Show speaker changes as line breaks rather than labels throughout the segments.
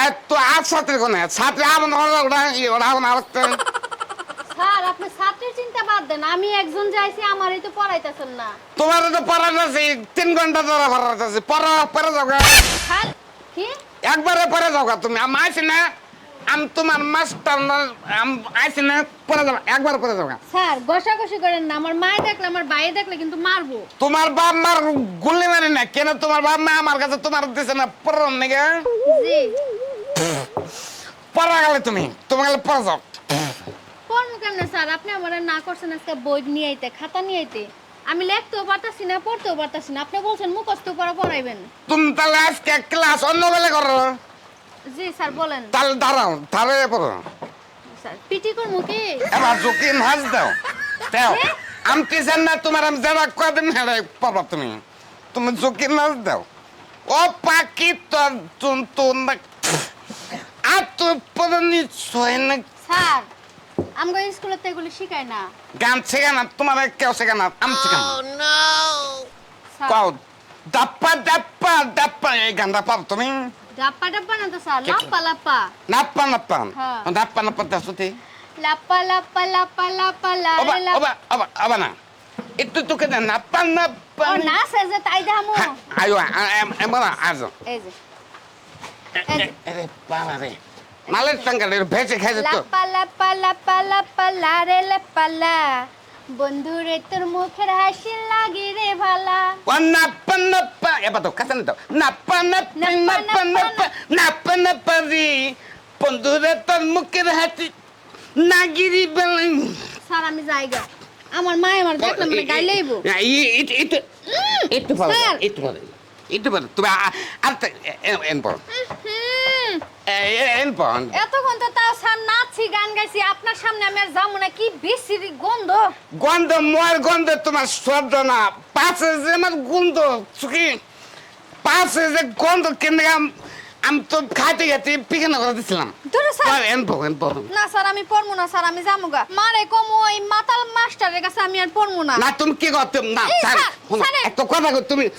তো আর ছাত্রী কোনে ছাত্রী আমার ওটা ওটা আরেকটা
স্যার আপনি ছাত্রের চিন্তা বাদ দেন, আমি একজন যাইছি আমারই তো পড়াইতেছেন না।
তোমার তো পড়ানো আছে 3 ঘন্টা ধরে পড়ানো আছে পরে যাও গা।
স্যার কি
একবারে পরে যাও গা তুমি আমি আইছি না আমি তোমার মাস্টার আইছি না পরে যাও একবার পরে যাও গা।
স্যার ঘষাঘষি করেন না, আমার মায়ে দেখলে আমার ভাই দেখলে কিন্তু মারবো।
তোমার বাপ মার গুলি মারি না কেন তোমার বাপ মা আমার কাছে তোমার দিছে না পড়ার নাকি
জি
পড়া গেলে তুমি গেলে পড়ে যাও।
পড়বো কেমনে স্যার, আপনি আমার না করছেন আজকে বই নিয়ে আইতে খাতা নিয়ে আইতে, আমি লিখতেও পারতাছি না পড়তেও পারতাছি না, আপনি বলছেন মুখস্থ করে পড়াইবেন।
তুমি তাহলে আজকে ক্লাস অন্য বেলা করো।
জি স্যার বলেন।
তাহলে দাঁড়ায় পড়ো।
স্যার পিটি করবো কি?
এবার ঝুঁকি নাচ দাও দাও আমি টিচার না তোমার আমি যারা কদিন হেরে পাবা তুমি ঝুঁকি নাচ দাও ও পাখি তোর তুন আর তো পরে নিশ্চয় না
স্যার আমগো স্কুলে তো এগুলো শিখায় না।
গান শেখা না তোমার কেউ শেখা না আমি শেখা না
স্যার
কও ডাপ্পা ডাপ্পা ডাপ্পা এই গানটা পাবো তুমি
ডাপ্পা ডাপ্পা না তো স্যার, লাপ্পা লাপ্পা।
নাপ্পা নাপ্পা
হ্যাঁ।
নাপ্পা নাপ্পা দাসুতি
লাপ্পা লাপ্পা লাপ্পা লাপ্পা
ওবা
লারে
ওবা ওবা ওবা না একটু তোকে না নাপ্পা নাপ্পা
ও না স্যার যে তাই দেখামু।
আয়ো এমনা আজ
এই যে
আরে বাবা রে মালের টাঙ্গালের ভেজে খাইছে তো
লাপ্পা লাপ্পা লাপ্পা লাপ্পা লারে লাপ্পা লা, বন্ধুরে তোর মুখের হাসি লাগি রে ভালা।
ও নাপ্পা নাপ্পা এবার তো কাছে দাও নাপ্পা নাপ্পা নাপ্পা নাপ্পা নাপ্পা নাপ্পা রে বন্ধুরে তোর মুখের হাসি নাগিরি বেলাই
স্যার আমি যাইগা, আমার মা আমার দেখলে মানে গাইলেইবো।
একটু পারো
স্যার।
একটু পারো তুমি আর এন পড়ো এন পড়ো
এতক্ষণ তো তাও স্যার নাচছি গান গাইছি, আপনার সামনে আমি আর যাবো না, কি বিশ্রী গন্ধ।
গন্ধ ময়ের গন্ধ তোমার সহ্য না পাশে যে আমার গন্ধ চুকি পাশে যে গন্ধ কেন আমি তো খাইতে খাইতে পিখানা করে দিছিলাম
ধরো স্যার।
এন পড়ো
না স্যার আমি পড়বো না স্যার, আমি যাবো গা। মারে কম ওই মাতাল মাস্টারের কাছে আমি আর পড়বো না।
না তুমি কি করতে না
এই
স্যার
স্যার,
শোনো,
স্যার।
একটা কথা কই তুমি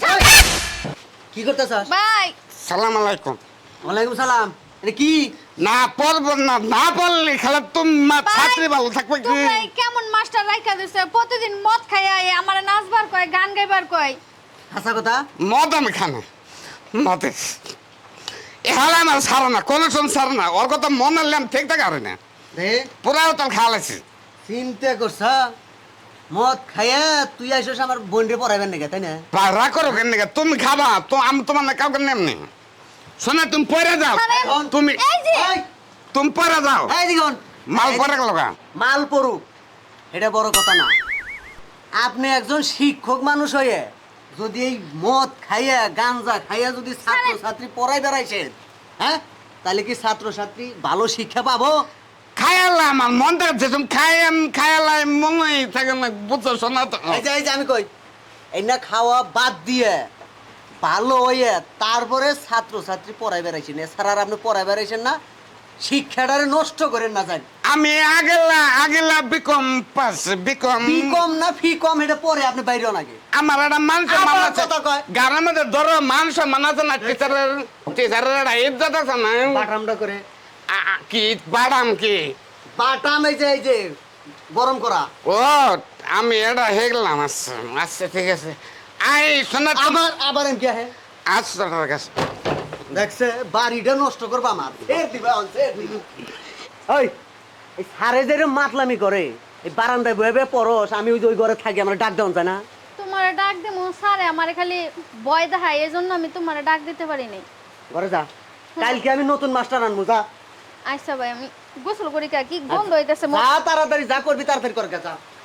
কি করতেছস?
বাই।
সালাম আলাইকুম
ওয়ালাইকুম সালাম। এটা কি?
না পড়বো না না পড়লে খেলা তুমি
বাই।
ছাত্রী ভালো থাকবে কি
তোমরা এই কেমন মাস্টার রাইখা দিছে, প্রতিদিন মদ খাইয়া আমারে নাচবার কয় গান গাইবার কয়।
হাসা কথা?
মদ আমি খানা মতে এহালে আমার সারা না কোনো সময় সারা না ওর কথা মনে হলে আমি ঠিক থাকে আর না
রে
পুরাও তার খাওয়ালাইছি
চিন্তা করছ মদ খাইয়া তুই আইসস আমার বোনরে পড়াইবেন নাকি, তাই না?
রাগ করো কেন তুমি খাবা তো আমি তোমার না কাউকে নেমনি শোনা তুমি পরে যাও
আরে,
তুমি
এই যে
এই,
তুমি পরে যাও
এই দিগন
মাল পরে গেল গা
মাল পড়ুক এটা বড় কথা না। আপনি একজন শিক্ষক মানুষ হয়ে যদি এই মদ খাইয়া গাঞ্জা খাইয়া যদি ছাত্র ছাত্রী পড়াই বেড়াইছেন, হ্যাঁ, তাহলে কি ছাত্র ছাত্রী ভালো শিক্ষা পাবো?
খায়ালা আমার মন দেখছে তুমি খায়ালাই মনে থাকে না বুঝছো শোনা তো
এই যে আমি কই এই না খাওয়া বাদ দিয়ে ভালো হইয়া তারপরে ছাত্র ছাত্রী পড়াই বেড়াইছেন, এছাড়া আর আপনি পড়াই বেড়াইছেন না, শিক্ষাটারে নষ্ট করেন না। যান
আমি আগেলা বিকম পাস বিকম
ফি কম না ফি কম এটা পরে আপনি বাইরেও নাকি
আমার একটা মানুষ
আবার
মানাছে
কথা কয়।
গানের মধ্যে ধরো মানুষ মানাছে না টিচারের একটা ইজ্জত আছে না
বাটামটা করে
কি বাদাম কি
বাটাম এই যে গরম করা
ও আমি এটা হয়ে গেলাম আচ্ছা আচ্ছা ঠিক আছে আই শোনা
আবার এম কি হ্যাঁ
আচ্ছা ঠিক আছে
দেখছে বাড়িটা নষ্ট করবা আমার ফের দিবা ফের দিবা। ওই এই সারে যে মাতলামি করে এই বারান্দায় বয়ে বয়ে পরস, আমি ওই যে ওই ঘরে থাকি, আমার ডাক দেওয়া যায় না?
তোমারে ডাক দিমু স্যারে আমারে খালি ভয় দেখায়, এজন্য আমি তোমারে ডাক দিতে পারি নাই।
ঘরে যা, কালকে আমি নতুন মাস্টার আনবো, যা
আচ্ছা ভাই আমি গোসল করি, কি গন্ধ হইতাছে।
যা তাড়াতাড়ি যা করবি তাড়াতাড়ি করে যা।